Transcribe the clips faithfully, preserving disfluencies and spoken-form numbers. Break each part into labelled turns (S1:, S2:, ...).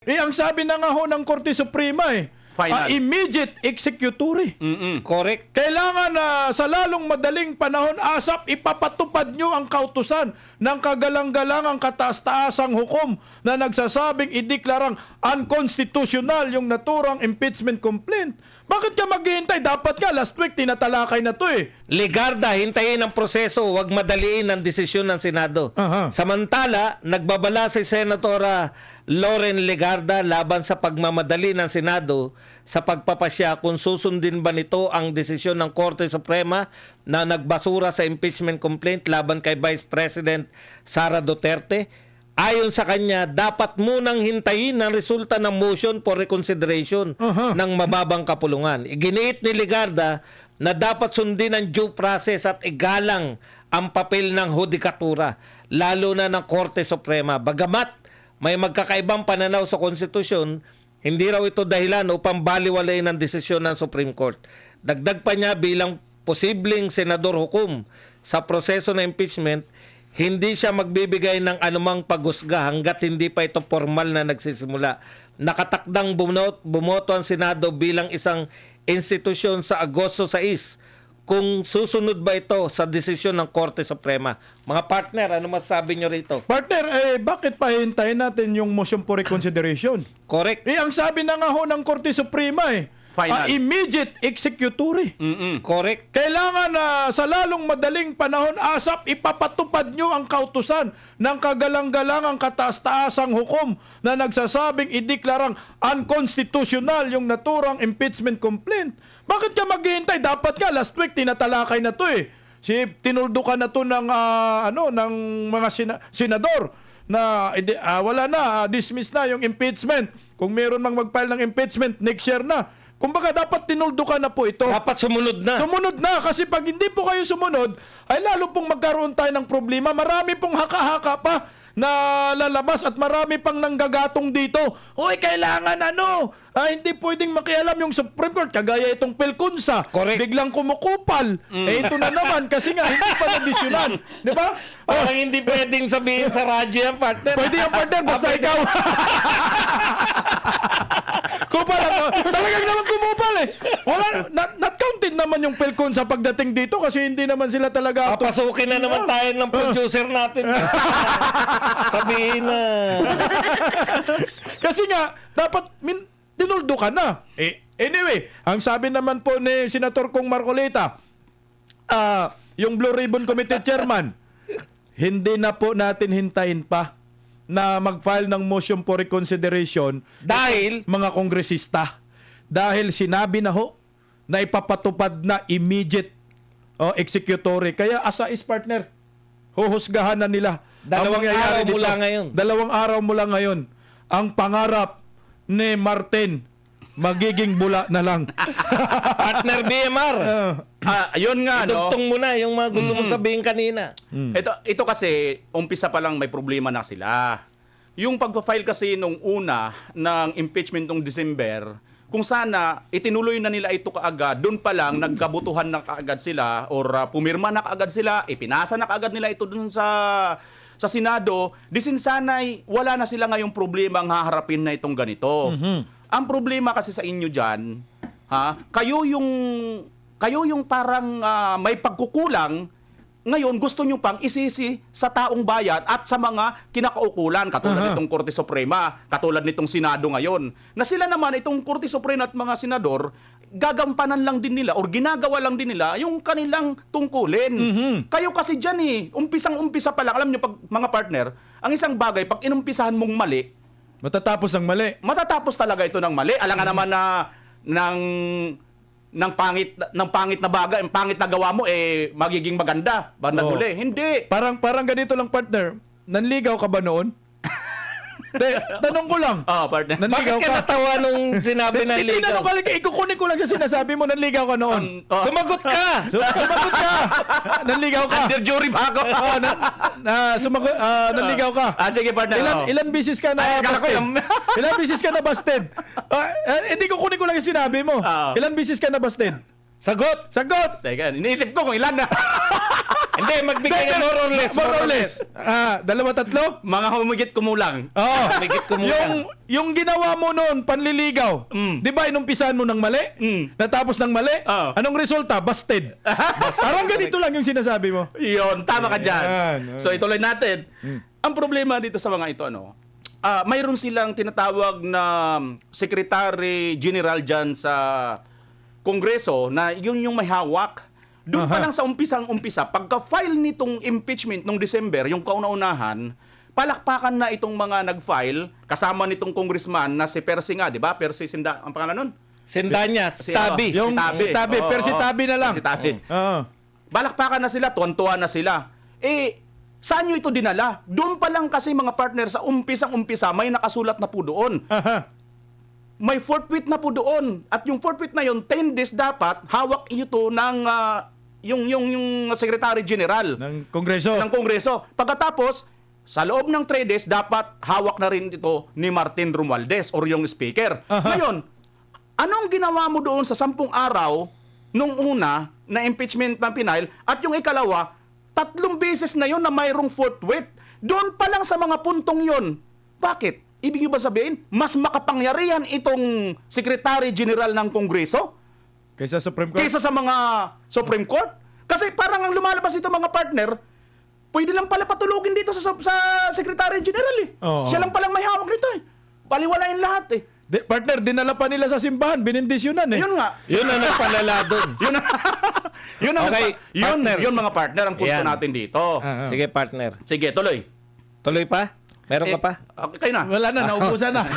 S1: Eh, ang sabi na nga ho ng Korte Suprema eh,
S2: Final.
S1: ah, immediate executory.
S2: Mm-mm.
S3: Correct.
S1: Kailangan na sa lalong madaling panahon, asap, ipapatupad nyo ang kautusan ng kagalang-galangang kataas-taasang hukom na nagsasabing ideklarang unconstitutional yung naturang impeachment complaint. Bakit ka maghihintay? Dapat nga, last week, tinatalakay na to eh.
S3: Ligarda, hintayin ang proseso, huwag madaliin ang desisyon ng Senado.
S1: Aha.
S3: Samantala, nagbabala si Senatora Loren Ligarda laban sa pagmamadali ng Senado sa pagpapasya kung susundin ba nito ang desisyon ng Korte Suprema na nagbasura sa impeachment complaint laban kay Vice President Sara Duterte. Ayon sa kanya, dapat munang hintayin ang resulta ng motion for reconsideration
S1: Aha.
S3: ng mababang kapulungan. Iginiit ni Ligarda na dapat sundin ang due process at igalang ang papel ng hudikatura, lalo na ng Korte Suprema. Bagamat may magkakaibang pananaw sa konstitusyon, hindi raw ito dahilan upang baliwalayin ang desisyon ng Supreme Court. Dagdag pa niya, bilang posibleng senador hukom sa proseso ng impeachment, hindi siya magbibigay ng anumang paghusga hanggat hindi pa ito formal na nagsisimula. Nakatakdang bumoto, bumoto ang Senado bilang isang institusyon sa Agosto sais kung susunod ba ito sa desisyon ng Korte Suprema. Mga partner, ano masasabi nyo rito?
S1: Partner, eh, bakit pa hintayin natin yung motion for reconsideration?
S3: Correct.
S1: Eh, ang sabi na nga ho ng Korte Suprema eh,
S2: Final.
S1: ah, immediate executory.
S2: Mm-mm.
S3: Correct.
S1: Kailangan na sa lalong madaling panahon, asap, ipapatupad nyo ang kautusan ng kagalang-galangang kataas-taasang hukom na nagsasabing ideklarang unconstitutional yung naturang impeachment complaint. Bakit ka maghihintay? Dapat nga, last week, tinatalakay na to eh. Si, tinuldukan na to ng, ah, ano, ng mga sina- senador na uh, wala na, uh, dismiss na yung impeachment. Kung meron mang mag-file ng impeachment, next year na. Kumbaga, dapat tinuldukan na po ito.
S3: Dapat sumunod na.
S1: Sumunod na, kasi pag hindi po kayo sumunod, ay lalo pong magkaroon tayo ng problema. Marami pong haka-haka pa na lalabas at marami pang nanggagatong dito. Hoy, kailangan ano, ah, hindi pwedeng makialam yung Supreme Court. Kagaya itong Pelkunsa,
S3: Correct.
S1: biglang kumukupal. Eh ito na naman, kasi nga hindi pa nabisyonan. Di ba? Oh,
S3: Parang hindi pwedeng sabihin sa radyo yan, partner.
S1: pwede yung partner, basta ikaw. Kupal ako. Talagang naman kumupal eh. Wala, not, not counted naman yung Pelcon sa pagdating dito kasi hindi naman sila talaga...
S3: Papasukin na naman tayo ng producer natin. Sabihin na.
S1: Kasi nga, dapat min, tinuldo ka na. Eh, anyway, ang sabi naman po ni Senator Kong Marcolita, ah, yung Blue Ribbon Committee Chairman, hindi na po natin hintayin pa na mag-file ng motion for reconsideration
S3: Dahil,
S1: mga kongresista. Dahil sinabi na ho na ipapatupad na immediate oh, executory. Kaya asa is partner, huhusgahan na nila.
S3: Dalawang
S1: ang mangyayari
S3: araw
S1: dito.
S3: mula ngayon.
S1: Dalawang araw mula ngayon. Ang pangarap ni Martin, magiging bula na lang.
S3: partner B M R.
S1: Uh,
S2: Ah, ayun nga, no?
S3: Idugtong mo na yung mga gusto mong sabihin kanina.
S2: Ito, ito kasi, umpisa pa lang may problema na sila. Yung pag-file kasi nung una ng impeachment nung December, kung sana itinuloy na nila ito kaagad, doon pa lang nagkabutuhan na kaagad sila or uh, pumirma na kaagad sila, ipinasa na kaagad nila ito doon sa sa Senado, disin sanay wala na sila ngayong problema ang haharapin na itong ganito.
S1: Mhm.
S2: Ang problema kasi sa inyo diyan, ha, kayo yung kayo yung parang ah, may pagkukulang. Ngayon, gusto nyo pang isisi sa taong bayan at sa mga kinakaukulan, katulad
S1: Aha.
S2: nitong Korte Suprema, katulad nitong Senado ngayon. Na sila naman, itong Korte Suprema at mga senador, gagampanan lang din nila or ginagawa lang din nila yung kanilang tungkulin.
S1: Mhm.
S2: Kayo kasi dyan eh, umpisang-umpisa pa lang. Alam nyo, pag, mga partner, ang isang bagay, pag inumpisahan mong mali,
S1: matatapos ang mali.
S2: matatapos talaga ito ng mali. Alam nga naman na ng ng pangit ng pangit na bagay, ang pangit na gawa mo eh magiging maganda bandang
S1: Oo.
S2: huli. Hindi.
S1: Parang parang ganito lang partner. Nanligaw ka ba noon? De, tanong ko lang.
S2: Ah, partner.
S1: Nanligaw
S3: Bakit ka
S1: ka?
S3: natawa nung sinabi na
S1: Hindi
S3: ligaw?
S1: tanong ko lang, ikukunin ko lang sa sinasabi mo, nanligaw ka noon.
S2: Um, oh.
S3: Sumagot ka!
S1: So, sumagot ka. Nanligaw ka.
S2: Under jury ba ako?
S1: Oh, na, na, sumagot, ah, nanligaw ka.
S2: Ah, sige partner.
S1: Ilan
S2: oh.
S1: ilan bisis ka na
S2: Ay, akala ko
S1: busted?
S2: yung-
S1: Ilan bisis ka na busted? Ah, eh, hindi ko kunin ko lang yung sinabi mo.
S2: Ah.
S1: Ilan bisis ka na busted?
S3: Sagot!
S1: Sagot!
S2: Teka, iniisip ko kung ilan na.
S3: Hindi, magbigay ka more or less.
S1: More or less. Ah, dalawa, tatlo?
S2: Mga humigit kumulang.
S1: Oo.
S3: Humigit kumulang.
S1: Yung, yung ginawa mo noon, panliligaw.
S2: Mm.
S1: Di ba, inumpisahan mo ng mali?
S2: Mm.
S1: Natapos ng mali?
S2: Oo.
S1: Anong resulta? Busted. Parang ganito lang yung sinasabi mo.
S2: Yun, tama ka dyan.
S1: Yan.
S2: So ituloy natin. Ang problema dito sa mga ito, ano, ah mayroon silang tinatawag na Secretary General dyan sa Kongreso na yun yung may hawak. Doon pa
S1: Aha.
S2: lang sa umpisang-umpisa, pagka-file nitong impeachment nung December, yung kauna-unahan, palakpakan na itong mga nag-file, kasama nitong congressman na si Percy nga, di ba? Percy Sinda, ang pangalan nun?
S3: Sindanya,
S2: Si-
S3: Tabi.
S1: Yung si Tabi,
S2: Oo,
S1: pero si
S2: oo.
S1: Tabi na lang.
S2: Si Tabi.
S1: Oo.
S2: Balakpakan na sila, tuwan-tuwa na sila. Eh, saan nyo ito dinala? Doon pa lang kasi mga partner sa umpisang-umpisa, may nakasulat na po doon.
S1: Aha.
S2: May forfeit na po doon. At yung forfeit na yun, ten days dapat, hawak ito ng ah, yung, yung, yung Secretary General
S1: Ng Kongreso.
S2: ng Kongreso. Pagkatapos, sa loob ng three days, dapat hawak na rin ito ni Martin Romualdez or yung Speaker.
S1: Aha.
S2: Ngayon, anong ginawa mo doon sa sampung araw nung una na impeachment ng Pinail at yung ikalawa, tatlong beses na yon na mayroong forthwith. Doon pa lang sa mga puntong yon. Bakit? Ibig nyo ba sabihin, mas makapangyarihan itong Secretary General ng Kongreso
S1: Kaysa Supreme Court.
S2: kaysa sa mga Supreme Court? Kasi parang ang lumalabas ito mga partner, pwede lang pala patulugin dito sa, sa Secretary General eh.
S1: Oo.
S2: Siya lang palang may hawak nito eh. Baliwalain lahat eh.
S1: Di- partner, dinala pa nila sa simbahan. Binindisyonan eh.
S2: Yun nga.
S3: Yun ang nagpalala doon.
S2: Yun yun ang
S3: Okay,
S2: yun,
S3: partner.
S2: yun mga partner ang punto
S3: Yan.
S2: natin dito.
S1: Ah, ah.
S3: Sige, partner.
S2: Sige, tuloy.
S3: Tuloy pa? Meron
S2: Eh,
S3: ka pa?
S2: Okay, kayo na.
S1: Wala na, naubusan na.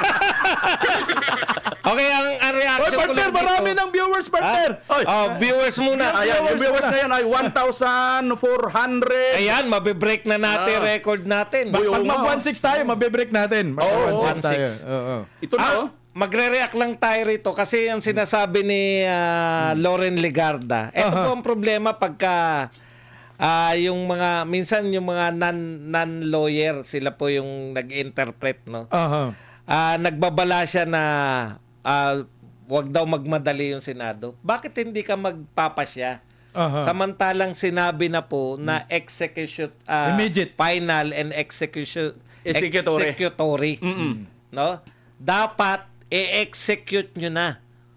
S3: Okay, ang, ang
S1: Oy,
S3: reaction ko
S1: partner,
S3: lang
S1: marami
S3: dito.
S1: ng viewers, partner.
S2: Oy.
S3: Oh, viewers muna.
S2: Ayan, yung viewers na yan ay one thousand four hundred.
S3: Ayan, mabibreak na natin
S2: Ah.
S3: record natin.
S2: Uy,
S1: Pag
S2: oo nga.
S1: mag one six tayo, mabibreak natin. Mag
S2: Oo,
S1: one six tayo.
S3: one six.
S1: Oo.
S2: Ito na, oh.
S3: Ah, magre-react lang tayo rito kasi ang sinasabi ni ah, Loren Legarda. Ito
S1: Aha.
S3: po ang problema pagka ah, yung mga minsan yung mga non non-lawyer sila po yung nag-interpret, no.
S1: Aha.
S3: Ah, nagbabala siya na ah, wag daw magmadali yung Senado. Bakit hindi ka magpapasya?
S1: Aha.
S3: Samantalang sinabi na po na execution ah,
S1: Immediate.
S3: final and execution
S2: Executory.
S3: executory.
S2: Mm-mm.
S3: No? Dapat i-execute nyo na.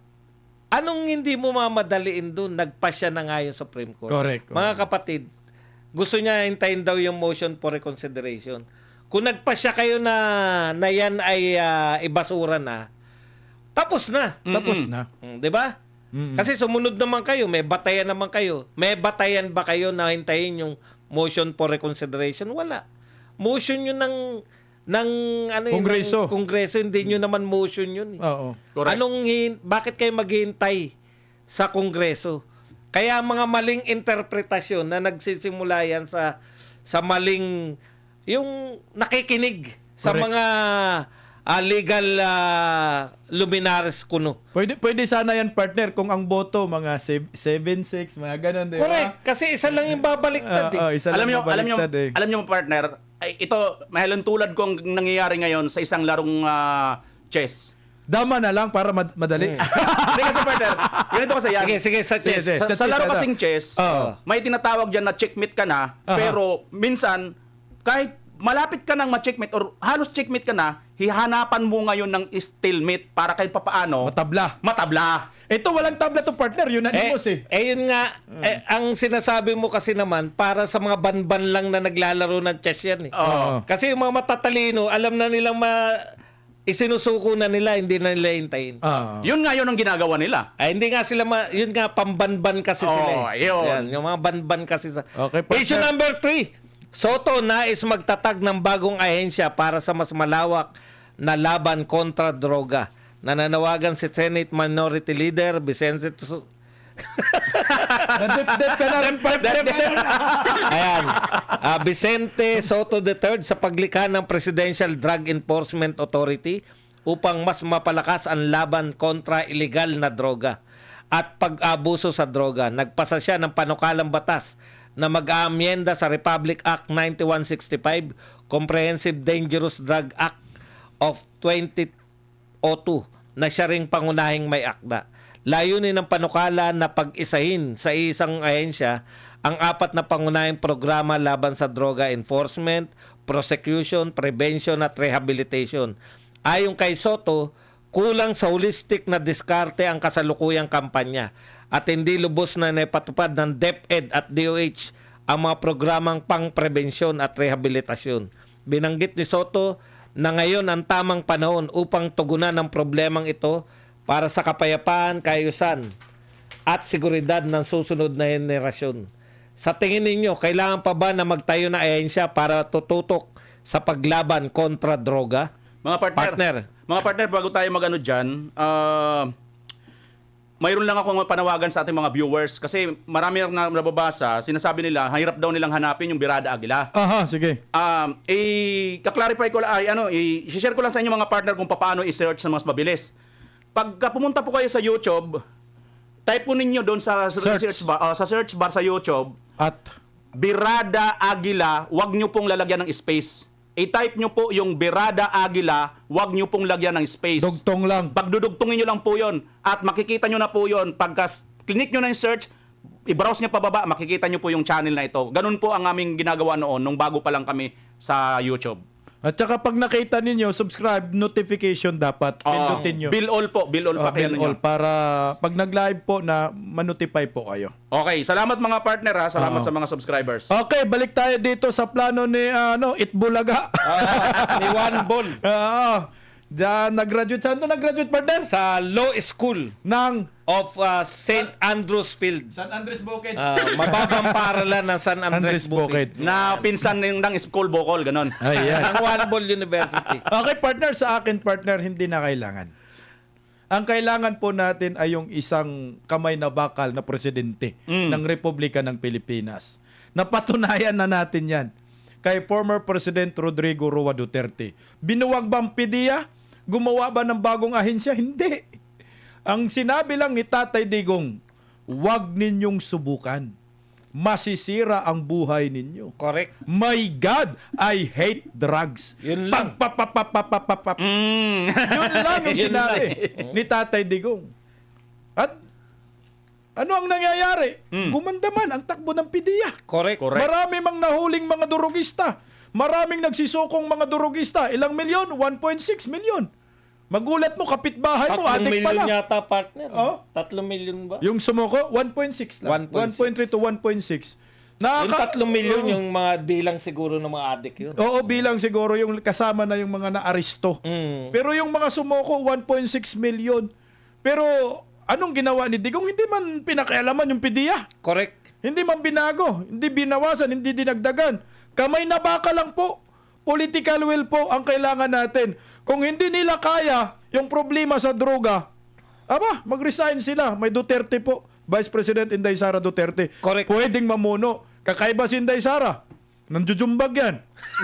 S3: Anong hindi mo mamadaliin doon? Nagpasya na nga yung Supreme Court.
S1: Correct.
S3: Mga kapatid, gusto niya hintayin daw yung motion for reconsideration. Kung nagpasya kayo na, na yan ay ah, ibasura na, tapos na.
S1: Tapos na.
S3: Mm, 'di ba?
S1: Mm-mm.
S3: Kasi sumunod naman kayo, may batayan naman kayo. May batayan ba kayo na hintayin yung motion for reconsideration? Wala. Motion yun ng ng ano yun,
S1: Kongreso.
S3: ng Kongreso, hindi nyo naman motion yun. Eh.
S1: Oo.
S2: Correct.
S3: Anong hin- bakit kayo maghihintay sa Kongreso? Kaya mga maling interpretasyon na nagsisimula yan sa sa maling yung nakikinig sa
S1: Correct.
S3: mga ah, legal ah, luminaries kuno.
S1: Pwede, pwede sana yan, partner, kung ang boto, mga seven six, mga ganun, di ba?
S3: Correct. Kasi isa lang yung babaliktad.
S1: Oo,
S3: eh.
S1: isa
S2: alam
S1: lang
S2: niyo, alam niyo,
S1: mabaliktad eh.
S2: alam niyo partner, ay, ito mahalong tulad ko ang nangyayari ngayon sa isang larong ah, chess.
S1: Dama na lang para mad- madali.
S2: Hindi kasi partner, ganito kasi yan.
S3: Sige, sige, sa
S1: Sige,
S3: chess.
S1: sige.
S2: Sa, sa laro kasing chess,
S1: Oo.
S2: may tinatawag dyan na checkmate ka na,
S1: Aha.
S2: pero minsan, kahit malapit ka nang ma-checkmate or halos checkmate ka na, hihanapan mo ngayon ng stalemate para kahit papaano,
S1: Matabla.
S2: matabla.
S1: Ito, walang tabla to, partner. Unanimous eh.
S3: Eh, yun nga, eh, ang sinasabi mo kasi naman, para sa mga banban lang na naglalaro ng chess yan. Eh.
S2: Oo.
S3: Kasi yung mga matatalino, alam na nilang ma... isinusuko na nila, hindi na nila hintayin.
S1: Ah.
S2: Yun nga yun ang ginagawa nila.
S3: Ay, hindi nga sila, ma- yun nga, pambanban kasi
S2: Oo,
S3: sila. Eh.
S2: yun.
S3: Yan, yung mga banban kasi sa...
S1: Okay, partner.
S3: Issue number three. Soto nais magtatag ng bagong ahensya para sa mas malawak na laban kontra droga. Nananawagan si Senate Minority Leader Vicente Su-
S1: Nadip-dip ka na rin, partner.
S3: Ayan. Ah, Vicente Soto the third sa paglikha ng Presidential Drug Enforcement Authority upang mas mapalakas ang laban kontra illegal na droga at pag-abuso sa droga. Nagpasa siya ng panukalang batas na mag-aamyenda sa Republic Act ninety-one sixty-five, Comprehensive Dangerous Drug Act of twenty oh two na siya ring pangunahing may akda. Layunin ng panukala na pag-isahin sa isang ahensya ang apat na pangunahing programa laban sa droga: enforcement, prosecution, prevention at rehabilitation. Ayon kay Soto, kulang sa holistic na diskarte ang kasalukuyang kampanya at hindi lubos na naipatupad ng DepEd at D O H ang mga programang pang-prebensyon at rehabilitasyon. Binanggit ni Soto na ngayon ang tamang panahon upang tugunan ang problemang ito para sa kapayapaan, kaayusan at seguridad ng susunod na henerasyon. Sa tingin ninyo, kailangan pa ba na magtayo na ahensya para tututok sa paglaban kontra droga?
S2: Mga partner,
S3: Partner.
S2: mga partner, bago tayo mag-ano dyan, ah, mayroon lang akong panawagan sa ating mga viewers kasi marami na nababasa, sinasabi nila, hirap daw nilang hanapin yung Birada Aguila.
S1: Aha, sige.
S2: Um, eh, kaklarify ko lang, ay, ano, i-share ko lang sa inyo mga partner kung paano i-search na mas mabilis. Pagka pumunta po kayo sa YouTube, type po ninyo doon sa, sa
S1: Search.
S2: search bar, ah, sa search bar sa YouTube,
S1: At
S2: Birada Aguila, wag nyo pong lalagyan ng space. I-type nyo po yung Birada Aguila, wag nyo pong lagyan ng space.
S1: dugtong lang.
S2: Pagdudugtungin nyo lang po yon at makikita nyo na po yon pagka click nyo na yung search, i-browse nyo pababa, makikita nyo po yung channel na ito. Ganun po ang aming ginagawa noon nung bago pa lang kami sa YouTube.
S1: At saka pag nakita ninyo, subscribe, notification dapat.
S2: Oo.
S1: Pindutin nyo.
S2: Bill all po, bill all
S1: Oh,
S2: pa kayo
S1: bell
S2: ninyo.
S1: all para pag nag-live po na manotify po kayo.
S2: Okay, salamat mga partner ha, salamat
S1: Oo.
S2: sa mga subscribers.
S1: Okay, balik tayo dito sa plano ni ano, Itbulaga.
S3: Ni Juan Bol
S1: Oo. Diyan, nag-graduate. Saan to nag-graduate, partner?
S3: sa Law School
S1: Ng
S3: of uh, Saint Andrews Field.
S1: San Andres Bukid.
S3: Uh, mababang paralan ng San Andres
S1: Andres Bukid.
S3: Bukid.
S2: Na pinsan ng, ng school bokol, ganon.
S1: Ayan.
S3: Ang Juan Bol University.
S1: Okay, partner, sa akin, partner, hindi na kailangan. Ang kailangan po natin ay yung isang kamay na bakal na presidente
S2: Mm.
S1: ng Republika ng Pilipinas. Napatunayan na natin yan kay former President Rodrigo Roa Duterte. Binuwag ba ang P D E A? Gumawa ba ng bagong ahensya? Hindi. Ang sinabi lang ni Tatay Digong, huwag ninyong subukan. Masisira ang buhay ninyo.
S3: Correct.
S1: My God, I hate drugs.
S3: Yun lang.
S1: Pag-papapapapapapap.
S2: Mm.
S1: Yun lang yung
S3: Yun
S1: sinabi ni Tatay Digong. At ano ang nangyayari?
S2: Mm.
S1: Gumanda man ang takbo ng P D E A.
S3: Correct.
S2: Correct.
S1: Marami mang nahuling mga durugista. Maraming nagsisukong mga durugista. Ilang milyon? one point six milyon. Magulat mo, kapitbahay mo,
S3: Tatlong
S1: adik
S3: milyon
S1: pala.
S3: yata, partner.
S1: Oh?
S3: Tatlong milyon ba?
S1: Yung sumuko, one point six lang.
S3: one point six.
S1: one point three to one point six.
S3: Yung tatlong milyon,
S1: Oo.
S3: yung mga bilang siguro ng mga adik yun.
S1: Oo, bilang siguro yung kasama na yung mga na-aristo.
S3: Mm.
S1: Pero yung mga sumuko, one point six million. Pero anong ginawa ni Digong? Hindi man pinakialaman yung P D E A.
S3: Correct.
S1: Hindi man binago. Hindi binawasan. Hindi dinagdagan. Kamay na baka lang po. Political will po ang kailangan natin. Kung hindi nila kaya yung problema sa droga, aba, mag-resign sila. May Duterte po. Vice President Inday Sara Duterte.
S3: Correct.
S1: Pwedeng mamuno. Kakaiba si Inday Sara. Nanjujumbag yan.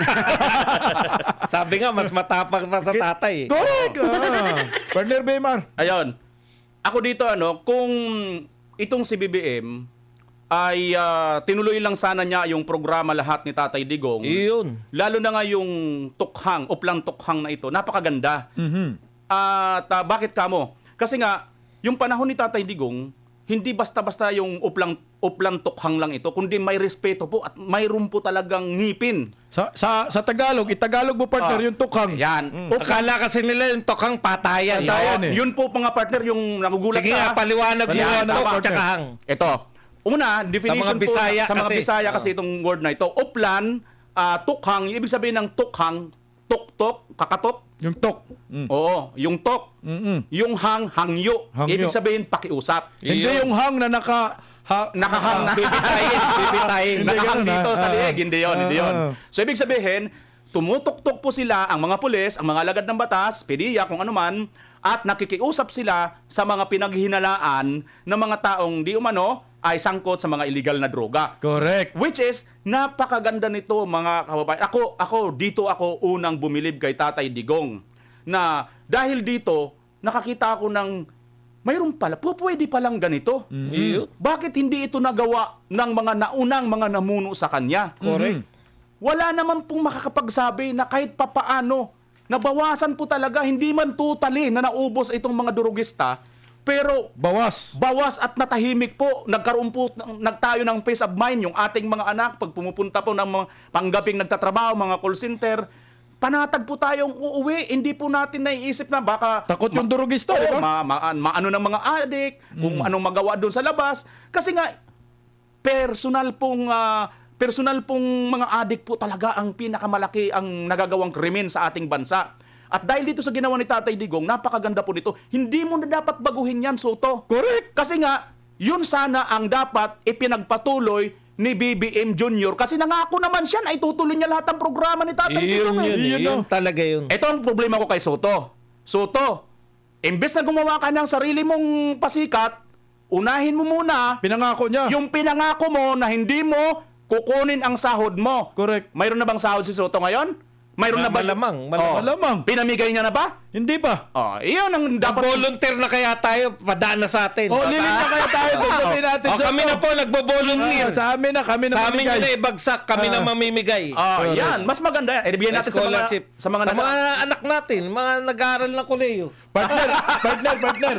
S3: Sabi nga, mas matapang pa sa tatay. Eh.
S1: Correct. Ah. Partner Baymar.
S2: Ayun. Ako dito ano, kung itong si B B M ay ah, tinuloy lang sana niya yung programa lahat ni Tatay Digong.
S3: Iyon.
S2: Lalo na nga yung tukhang, uplang tukhang na ito, napakaganda.
S1: Mhm.
S2: At ah, bakit kamo? Kasi nga, yung panahon ni Tatay Digong, hindi basta-basta yung uplang uplang tukhang lang ito, kundi may respeto po at mayroon po talagang ngipin.
S1: Sa, sa, sa Tagalog, itagalog mo partner
S2: Ah,
S1: yung tukang.
S2: Yan.
S3: Mm. Akala kasi nila yung tokang patayan.
S1: Patayan. eh.
S2: Yun po mga partner, yung nagugulat
S3: Sige nga,
S2: ka.
S3: paliwanag mo
S1: Paliwanag
S3: yung
S1: mo,
S3: tok
S1: partner.
S3: tsaka hang.
S2: Ito. Una, definition
S3: mga Bisaya
S2: po, sa mga
S3: kasi.
S2: Bisaya kasi
S3: Oo.
S2: itong word na ito. Uplan, ah, tukhang, yung ibig sabihin ng tukhang, tok-tok, kakatok.
S1: Yung tok. Mm.
S2: Oo, yung tok.
S1: Mm-mm.
S2: Yung hang, hangyo.
S1: Hangyo.
S2: Ibig sabihin, pakiusap.
S1: Hindi
S3: Yun.
S1: yung hang na naka... Ha,
S2: Nakahang na.
S3: Bibitayin, bibitayin.
S1: Hindi
S2: Nakahang
S1: ganun,
S2: dito
S1: ah.
S2: sa
S1: Ah,
S2: liig. Hindi yun, hindi yun.
S1: ah.
S2: So, ibig sabihin, tumutok-tok po sila, ang mga pulis, ang mga alagad ng batas, P D E A, kung ano man, at nakikiusap sila sa mga pinaghihinalaan ng mga taong di umano ay sangkot sa mga illegal na droga.
S1: Correct.
S2: Which is, napakaganda nito mga kababayan. Ako, ako, dito ako unang bumilib kay Tatay Digong. Na dahil dito, nakakita ako ng, mayroon pala, po pwede palang ganito.
S3: Iyon.
S2: Bakit hindi ito nagawa ng mga naunang mga namuno sa kanya?
S3: Correct.
S2: Wala naman pong makakapagsabi na kahit papaano, nabawasan po talaga, hindi man totally na naubos itong mga durugista, Pero
S1: Bawas.
S2: bawas at natahimik po. Nagkaroon po, nagtayo ng peace of mind yung ating mga anak pag pumupunta po ng mga panggaping nagtatrabaho, mga call center. Panatag po tayong uuwi. Hindi po natin naiisip na baka...
S1: Takot yung durugista, di ba?
S2: Oo, ma, ma, ma- ano ng mga adik, kung anong magawa doon sa labas. Kasi nga, personal pong... ah, personal pong mga adik po talaga ang pinakamalaki ang nagagawang krimen sa ating bansa. At dahil dito sa ginawa ni Tatay Digong, napakaganda po nito. Hindi mo na dapat baguhin yan, Soto.
S1: Correct.
S2: Kasi nga, yun sana ang dapat ipinagpatuloy ni B B M Junior Kasi nangako naman siya na itutuloy niya lahat ng programa ni Tatay
S3: Yun,
S2: Digong.
S3: yun,
S2: eh.
S3: yun,
S1: Yun, no?
S3: talaga yun.
S2: Ito ang problema ko kay Soto. Soto, imbes na gumawa ka ng sarili mong pasikat, unahin mo muna
S1: Pinangako niya.
S2: yung pinangako mo na hindi mo kukunin ang sahod mo.
S1: Correct.
S2: Mayroon na bang sahod si Soto ngayon? Mayroon na ba?
S3: Malamang, malamang.
S2: Oh.
S1: Malamang.
S2: Pinamigay niya na ba?
S1: Hindi pa.
S2: Oh, iyon ang dapat.
S3: Nag-volunteer na kaya tayo, padaan na sa atin.
S1: O, lilin na kaya tayo. Pagsabihin natin
S3: O,
S1: sa
S3: kami na po, nagbo-volunteer.
S1: Ah, sa amin na, kami na
S3: Sa amin
S1: mamigay.
S3: yun na ibagsak, kami na
S1: Ah.
S3: mamimigay.
S2: Oh, yan. Mas maganda yan. Eh, bigyan natin sa mga,
S3: Scholarship.
S2: sa mga,
S3: sa
S2: nag-
S3: mga anak natin, mga nag-aaral ng koleyo.
S1: Partner, partner, partner.